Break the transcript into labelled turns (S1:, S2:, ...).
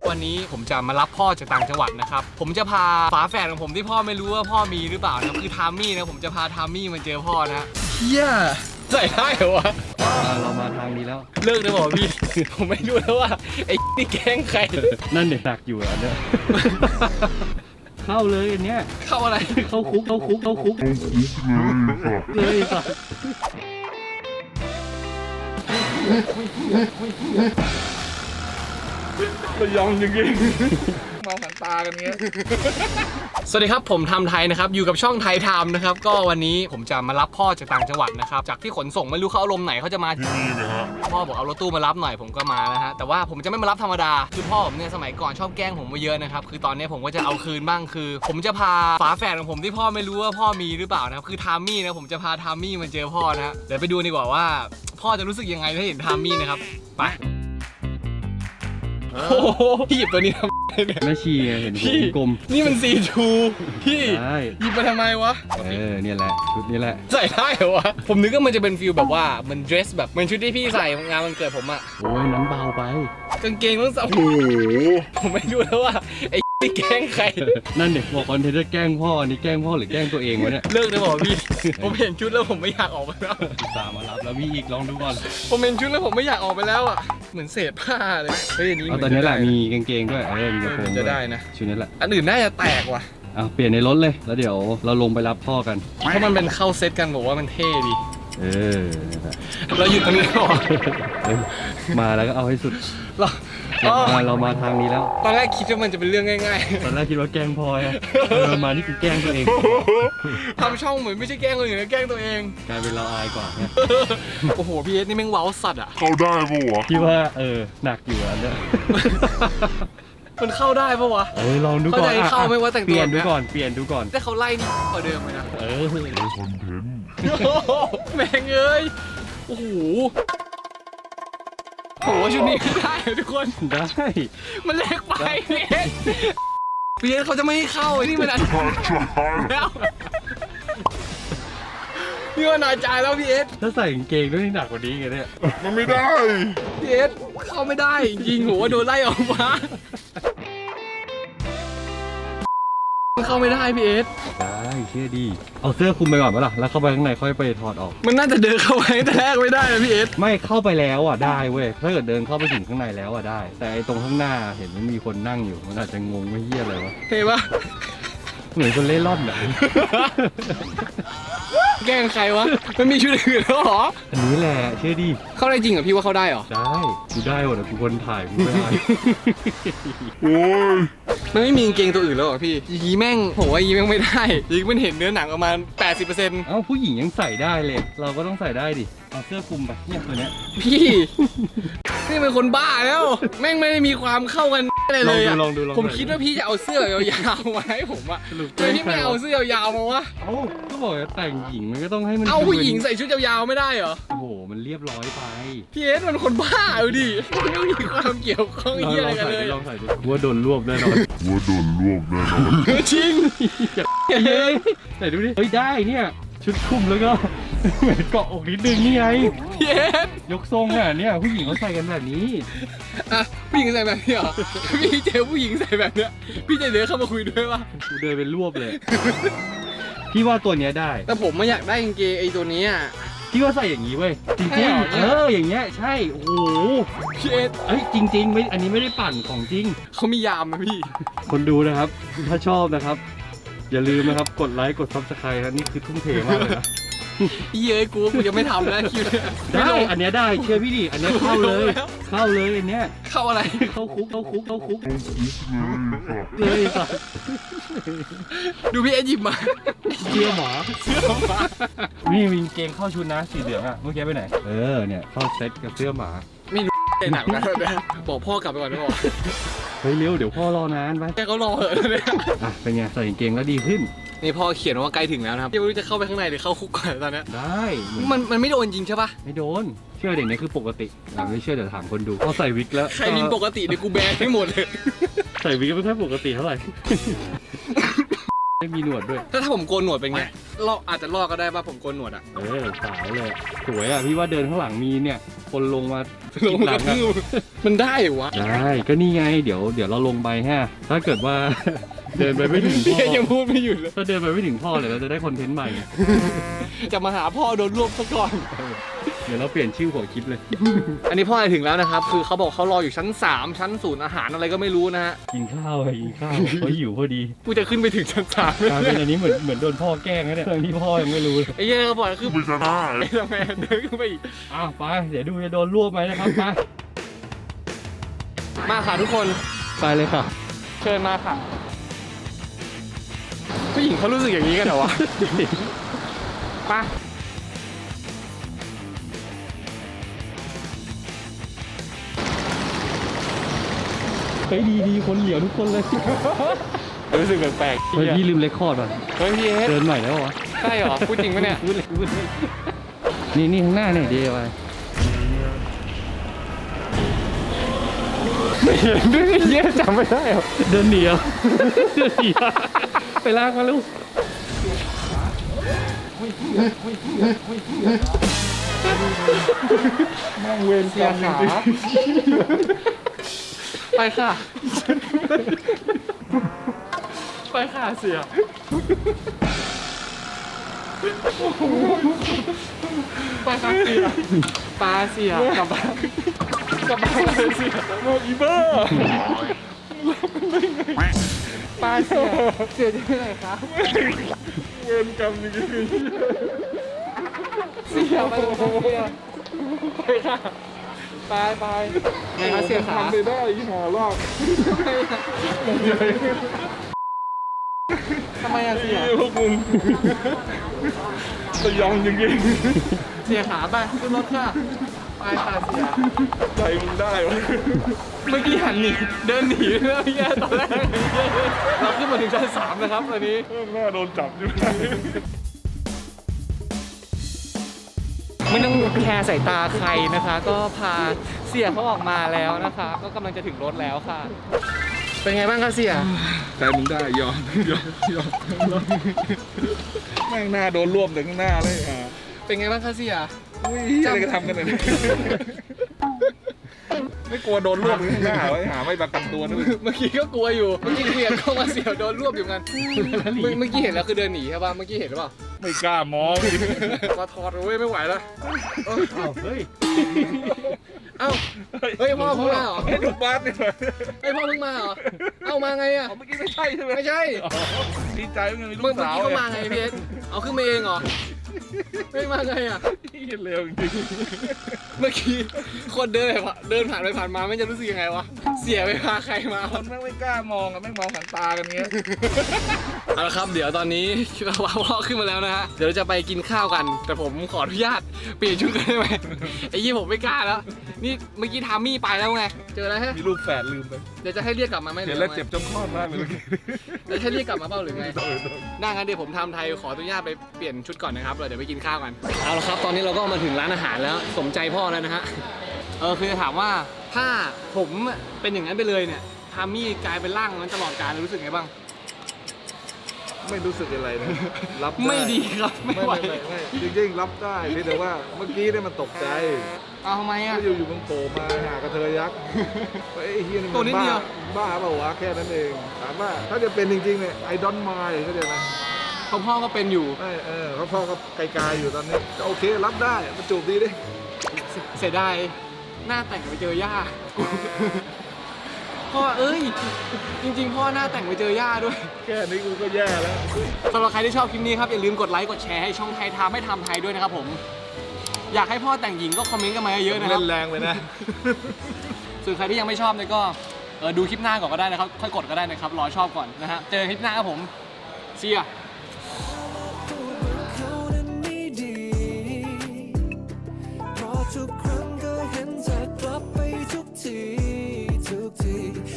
S1: วันนี้ผมจะมารับพ่อจากต่างจังหวัดนะครับผมจะพาฝาแฝดของผมที่พ่อไม่รู้ว่าพ่อมีหรือเปล่านะคือทามมี่นะผมจะพาทามมี่มาเจอพ่อนะเฮียใส่ได้เหรอวะ
S2: เรามาทางนี้แล้ว
S1: เลิกเลยบอกพี่ผมไม่รู้แล้วว่าไอ้นี่แกล้งใคร
S2: นั่นเด็กหนักอยู่อันเนี้ยเข้าเลยอันเนี้ย
S1: เข้าอะไร
S2: เข้าคุกเลยสัส
S1: มันยองจริงๆมองหันตากันเงี้ยสวัสดีครับผมทำไทยนะครับอยู่กับช่องไทยไทม์นะครับก็วันนี้ผมจะมารับพ่อจากต่างจังหวัดนะครับจากที่ขนส่งไม่รู้เขาอารมณ์ไหนเขาจะมาที่นี่นะฮะพ่อบอกเอารถตู้มารับหน่อยผมก็มานะฮะแต่ว่าผมจะไม่มารับธรรมดาคือพ่อผมเนี่ยสมัยก่อนชอบแกล้งผมมาเยอะนะครับคือตอนนี้ผมก็จะเอาคืนบ้างคือผมจะพาฝาแฝดของผมที่พ่อไม่รู้ว่าพ่อมีหรือเปล่านะครับคือทามมี่นะผมจะพาทามมี่มาเจอพ่อนะฮะเดี๋ยวไปดูดีกว่าว่าพ่อจะรู้สึกยังไงถ้าเห็นทามมี่นะครับไปโอ้โหพี่หยิบตัวนี้ทำไมเนี่ย
S2: แม่ชีเห็นหัวกลม
S1: นี่มันC2พี่หยิบมาทำไมวะ
S2: เนี่ยแหละชุดนี้แหละ
S1: ใส่ได้เหรอวะผมนึกว่ามันจะเป็นฟิลแบบว่ามันเดรสแบบเหมือนชุดที่พี่ใส่งานวันเกิดผมอะ
S2: โอ้ยนั้นเบาไป
S1: กางเกงต้องใส่โอ้โหผมไม่รู้แล้วว่าไอ้นี่แกล้งใคร
S2: นั่นเด็กบอกคอนเทนต์แกล้งพ่อนี่แกล้งพ่อหรือแกล้งตัวเองวะเนี่ย
S1: เลิกเลยบอกพี่ผมเห็นชุดแล้วผมไม่อยากออกไปแล้ว
S2: ตามมารับแล้วมีอีกลองดูก่อน
S1: ผมเห็นชุดแล้วผมไม่อยากออกไปแล้วอะเหมือนเศษผ้าเลยเฮ้ยอันนี้
S2: ตอนนี้แหละมีกางเกงด้วยมีกระโปรง
S1: จะได้นะ
S2: ชุดนี้แหละ
S1: อันอื่นน่าจะแตกว่ะ
S2: เปลี่ยนในรถเลยแล้วเดี๋ยวเราลงไปรับพ่อกัน
S1: เพราะมันเป็นเข้าเซตกันบอกว่ามันเท่ดีเราหยุดตรงนี้ก่อน
S2: มาแล้วก็เอาให้สุดเรามาทางนี้แล้ว
S1: ตอนแรกคิดว่ามันจะเป็นเรื่องง่าย
S2: ๆตอนแรกคิดว่าแกล้งพลอยมานี่คือแกล้งตัวเอง
S1: ทำช่องเหมือนไม่ใช่แกล้งคนอื่นนะแกล้งตัวเอง
S2: กลายเป็นเราอายกว่าเนี่ย
S1: โอ้โหพี่เอสนี่แม่งว้าวสัตว์อ่ะ
S3: เข้าได้ปะวะ
S2: คิดว่าหนักอยู่อันเนี้ย
S1: มันเข้าได้ปะวะ
S2: ลองดูก่อน
S1: เข้าไม่ว่าแต่งตัว
S2: เปลี่ยนดูก่อน
S1: แต่เขาไล่นี่กว่าเดิมเลยนะ
S3: คอนเทนต์
S1: แม่งเอ้ยโอ้โหโหชุดนี้ได้ทุกคน
S2: ได้
S1: มันเล็กไปพี่เอสเขาจะไม่ให้เข้านี่มันอันแล้วนี่ว่านาจายแล้วพี่เอส
S2: ถ้าใส่กางเกงด้วยนี่หนักกว่านี้ไงเนี่ย
S3: มันไม่ได้
S1: พี่เอสเข้าไม่ได้จริงหัวโดนไล่ออกมาเข้าไม่ได้พี่เอส
S2: ได้เชื่อดีเอาเสื้อคลุมไปก่อนปะล่ะแล้วเข้าไปข้างในค่อยไปถอดออก
S1: มันน่าจะเดินเข้าไปแต่แรกไม่ได้นะพี่เอส
S2: ไม่เข้าไปแล้วได้เว้ยถ้าเกิดเดินเข้าไปถึงข้างในแล้วได้แต่ไอ้ตรงข้างหน้าเห็นมันมีคนนั่งอยู่มันอาจจะงงไม่เหี้ยอะไรวะ
S1: เห็นปะ
S2: เหมือนคนเล่ร่อนอะ
S1: แกล้งใครวะมันมีชุดอื่นแล้วหรอ
S2: อันนี้แหละเชื่อดี
S1: เข้าได้จริงเหรอพี่ว่าเข้าได้หรอ
S2: ได้กูได้หมดกูคนถ่ายกูไม่ได้
S3: โอ้ย
S1: มันไม่มีกางเกงตัวอื่นแล้วหรอพี่ยีแม่งโหยีแม่งไม่ได้ยีมันเห็นเนื้อหนังประมาณ 80%
S2: ผู้หญิงยังใส่ได้เลยเราก็ต้องใส่ได้ดิเอาเสื้อคลุมไปเนี่ยตัวเนี้ย
S1: พี่นี่เป็นคนบ้าแล้วแม่งไม่ได้มีความเข้ากันเลยอะผมคิดว่าพี่จะเอาเสื้อยาวๆมาให้ผมอะทำไมพี่ไม่เอาเสื้อยาวๆมาวะ
S2: ก็บอกว่าแต่งหญิงมันก็ต้องให้มัน
S1: เอาผู้หญิงใส่ชุดยาวๆไม่ได้เหรอ
S2: โอ้โหมันเรียบร้อยไป
S1: พี่เอสมันคนบ้าเอาดิไม่มีความเกี่ยวข้องอะไรกันเลย
S2: ลองใส่ดิว่าโดนรวบแน่นอน
S1: จริง
S2: ใส่ดูดิเฮ้ยได้เนี่ยชุดคลุมแล้วก็เหมือนเกาะอกนิดนึงนี่ไง
S1: พี่เอส
S2: ยกทรงเนี่ยผู้หญิงเขาใส่กันแบบนี้
S1: ผู้หญิงใส่แบบนี้เหรอพี่เจอผู้หญิงใส่แบบเนี้ยพี่จะเดินเข้ามาคุยด้วยป่ะ
S2: กูเดินเป็นรวบเลยพี่ว่าตัวเนี้ยได้
S1: แต่ผมไม่อยากได้กางเกงไอ้ตัวนี้อ่ะ
S2: พี่ว่าใส่อย่างนี้เว้ยจริงๆอย่างเงี้ยใช่โอ้โห
S1: พี่เอส
S2: จริงๆไม่อันนี้ไม่ได้ปั่นของจริง
S1: เขามียามนะพี่
S2: คนดูนะครับถ้าชอบนะครับอย่าลืมนะครับกดไลค์กดซับสไครต์ครับนี่คือทุ่มเทมากเลยนะ
S1: เย้ยกูยังไม่ทำนะคิว
S2: ได้อันเนี้ยได้เชื่อพี่ดิอันเนี้ยเข้าเลยอันเนี้ย
S1: เข้าอะไร
S2: เข้าคุกเลยสัส
S1: ดูพี่เอหยิบมา
S2: เชื่อหมานี่มีเกงเข้าชุดนะสีเหลืองอ่ะเมื่อกี้ไปไหนเนี่ยเข้าเซ็ตกับเสื้อหมา
S1: ไม่รู้หนักนะบอกพ่อกลับไปก่อนนะบอก
S2: เฮ้ยเร็วเดี๋ยวพ่อรอนานไป
S1: แกเขารอเหอะเลย
S2: เป็นไงใส่เกงแล้วดีขึ้น
S1: นี่พ่อเขียนว่าใกล้ถึงแล้วนะครับยังไม่รู้จะเข้าไปข้างในหรือเข้าคุกก่อนตอนนี้
S2: ได้
S1: มันไม่โดนจริงใช่ปะ
S2: ไม่โดนเชื่อเด็กนี่คือปกติไม่เชื่อเดี๋ยวถามคนดูพอใส่วิกแล้ว
S1: ใครมีปกติเดี๋ยวกูแบนให้หมดเลย
S2: ใส่วิกไม่ค่อยปกติเท่าไหร่ไม่มีหนวดด้วย
S1: ถ้าผมโกนหนวดเป็นไงอาจจะลอกก็ได้ป่ะผมโกนหนวดอ่ะ
S2: สาวเลยสวยอ่ะพี่ว่าเดินข้างหลังมีเนี่ยโฟคนลงมา
S1: ลง
S2: ห
S1: ก
S2: ลั
S1: ระ
S2: ง
S1: ทืบมันได้เหรอวะ
S2: ได้ก็นี่ไงเดี๋ยวเราลงไปฮะถ้าเกิดว่า เดินไปไม่ถึงพ่
S1: พี่
S2: อ
S1: ยังพูดไม่หยุดเลย
S2: ถ้าเดินไปไม่ถึงพ่อเดี๋ยวเราจะได้คอนเทนต์ใหม่
S1: จะมาหาพ่อโดนรวบซะก่อน
S2: เดี๋ยวเราเปลี่ยนชื่อหัวคลิปเลย
S1: อันนี้พ่อไปถึงแล้วนะครับ คือเขาบอกเขารออยู่ชั้น 3 ชั้นศูนย์อาหารอะไรก็ไม่รู้นะฮะ
S2: กินข้าวกินข้าวเขาหิวพอดี
S1: กูจะขึ้นไปถึงชั้น3
S2: กลารเป็นอันนี้เหมือนโดนพ่อแกล้งนะเนี่ยเรื่องที่พ่อยังไม่รู้เลย
S1: ไอ้เหี้ยเขาบอกคือ
S3: ไม่จะได้
S1: ไอ้ทำไมเดินขึ้นไปอีก
S2: อ้าวไปเดี๋ยวดูจะโดนรวบไหมนะครับไป
S1: มาค่ะทุกคนไปเลยค่ะ เชิญมาค่ะผู้หญิงเขารู้สึกอย่างนี้กันเหรอวะไป
S2: เฮ้ยดีคนเหลียวทุกคนเลย
S1: รู้สึกแปลกๆ
S2: เฮ้ยพี่ลืมเรคคอร์ดป่ะ
S1: เฮ้ยพี่เอส
S2: เดินใหม่แล้วเหรอ
S1: ใช่เหรอพูดจริงปะเนี่ย
S2: พูดเลยนี่ข้างหน้าเนี่ยเดียวไป
S1: ไม่เห็นด้วยเหี้ยจำไม่ได้เหรอ
S2: เดินหนีเอาเดินหนีเอาไปลากมาลูก
S1: นั่งเวรเสียขาไปค่ะ ไปค่ะเสียไปค่ะเสียปลาเสียกลับบ้านเลยเสียโมอีเบอร์ปลาเสียจะไปไหนคะ
S3: เวรกรรมจริง
S1: เสียไปเลยค่ะเสียไปค่ะไปไงคะเสียขา
S3: ทำไปได้ที่หารอบ
S1: ทำไมอะเสีย
S3: พวกมึงสยองจริง
S1: เสียขาไปขึ้นรถค่ะไปค่ะเสีย
S3: ๆใจมึงได้วะ
S1: เมื่อกี้หันหนีเดินหนีเรื่องแย่ตอนแรกเราขึ้นมาถึงชั้น3นะครับตอนนี้
S3: หน้าโดนจับอยู่
S1: ไม่ต้องแคร์สายตาใครนะคะ ก็พาเสียเขาออกมาแล้วนะคะ ก็กำลังจะถึงรถแล้วค่ะ เป็นไงบ้างคะเสีย
S3: ใจมึงได้ยอมแม่งหน้าโดนรวบถึงข้างหน้าเลยอ่ะ
S1: เป็นไงบ้างคะเสีย
S3: อุ้ยอะไรก็ทำกันเลยไม่กลัวโดนรวบถึงข้างหน้าไว้หาไม่ประกันตัวนึก
S1: เมื่อกี้ก็กลัวอยู่เมื่อกี้เสียก็มาเสียโดนรวบอยู่กันเมื่อกี้เห็นแล้วคือเดินหนีใช่ป่ะเมื่อกี้เห็นหรือเปล่า
S3: ไม่กล้ามอง
S1: มาถอดเว้ยไม่ไหวแล้ว
S2: อ้าวเฮ้ย
S1: เอ้าเฮ้ยพ่อเพิ่งมาเหรอ
S3: ให้ดูบาสนี่หน่อย
S1: เฮ้ยพ่อเพิ่งมาเหรอเอ้ามาไงอะ
S3: เมื่อกี้ไม่ใช่ใช่ไหม
S1: ไม่ใช่
S3: ดีใจว่าไงมีลู
S1: เมื่อก
S3: สาว
S1: กี้เขามาไงพี่เอสเอาขึ้นมาเองเหรอไม่มาไงอะ
S3: ที่เร็วจริง
S1: เมื่อกี้คนเดินผ่านไปผ่านมาไม่จะรู้สึกยังไงวะเสียไปพาใครมา
S3: คนแม่งไม่กล้ามองอ่ะแม่งมองหางตากันเงี้ย
S1: เอาละครับเดี๋ยวตอนนี้เราว่าพ่อขึ้นมาแล้วนะฮะเดี๋ยวเราจะไปกินข้าวกัน แต่ผมขออนุญาตเปลี่ยนชุดกันได้ไหมไอ้ยี่ผมไม่กล้าแล้วนี่เมื่อกี้ทามมี่ไปแล้วไงเจอแล้วฮะ
S3: มีลูกแฝดลืมไป
S1: เดี๋ยวจะให้เรียกกลับมาไหม
S3: เห็นแล้วเจ็บจนคลอดมากเลย
S1: เดี๋ยวให้เรียกกลับมาเปล่าหรือไงได้งั้นเดี๋ยวผมทำไทยขออนุญาตไปเปลี่ยนชุดก่อนนะครับเดี๋ยวไปกินข้าวกันเอาละครับตอนนี้เราก็มาถึงร้านอาหารแล้วสมใจพ่อแล้วนะฮะคือจะถามว่าถ้าผมเป็นอย่างนั้นไปเลยเนี่ยทามมี่กลายเป็นร่างนั้นตลอดกาลรู้สึกไงบ้าง
S3: ไม่รู้สึกอะไรนะรับ
S1: ไม่ดีครับไม่ไหว
S3: ไม่จริงๆรับได้เพียงแต่ว่าเมื่อกี้เนี่ยมันตกใจ
S1: เอาทำไมอ่ะ
S3: ก็อยู่มันโผล่มาหากระเทยยักษ์ไอ้เฮียนี่
S1: ตัว
S3: มัน
S1: นิดเดียว
S3: บ้าเปล่าวะแค่นั้นเองถามว่าถ้าจะเป็นจริงๆเนี่ยไอดอนมายเข้าใจไหม
S1: ของพ่อก็เป็นอยู่
S3: ไม่เขาพ่อก็ไกลๆอยู่ตอนนี้ก็โอเครับได้มาจูบดีดิ
S1: เสียดายหน้าแต่งไปเจอย่า พ่อเอ้ยจริงๆพ่อหน้าแต่งไปเจอย่าด้วย
S3: แค่นี้กูก็แย่แล้ว
S1: สำหรับใครที่ชอบคลิปนี้ครับอย่าลืมกดไลค์กดแชร์ให้ช่องไทยทำให้ทำไทยด้วยนะครับผมอยากให้พ่อแต่งหญิงก็คอมเมนต์กันมาเยอะๆนะค
S3: เล่
S1: รับ
S3: นแรงไปนะ
S1: ส่วนใครที่ยังไม่ชอบเนี่ยก็ดูคลิปหน้าก่อนก็ได้นะครับค่อยกดก็ได้นะครับรอชอบก่อนนะฮะเจอคลิปหน้าครับผมเสีย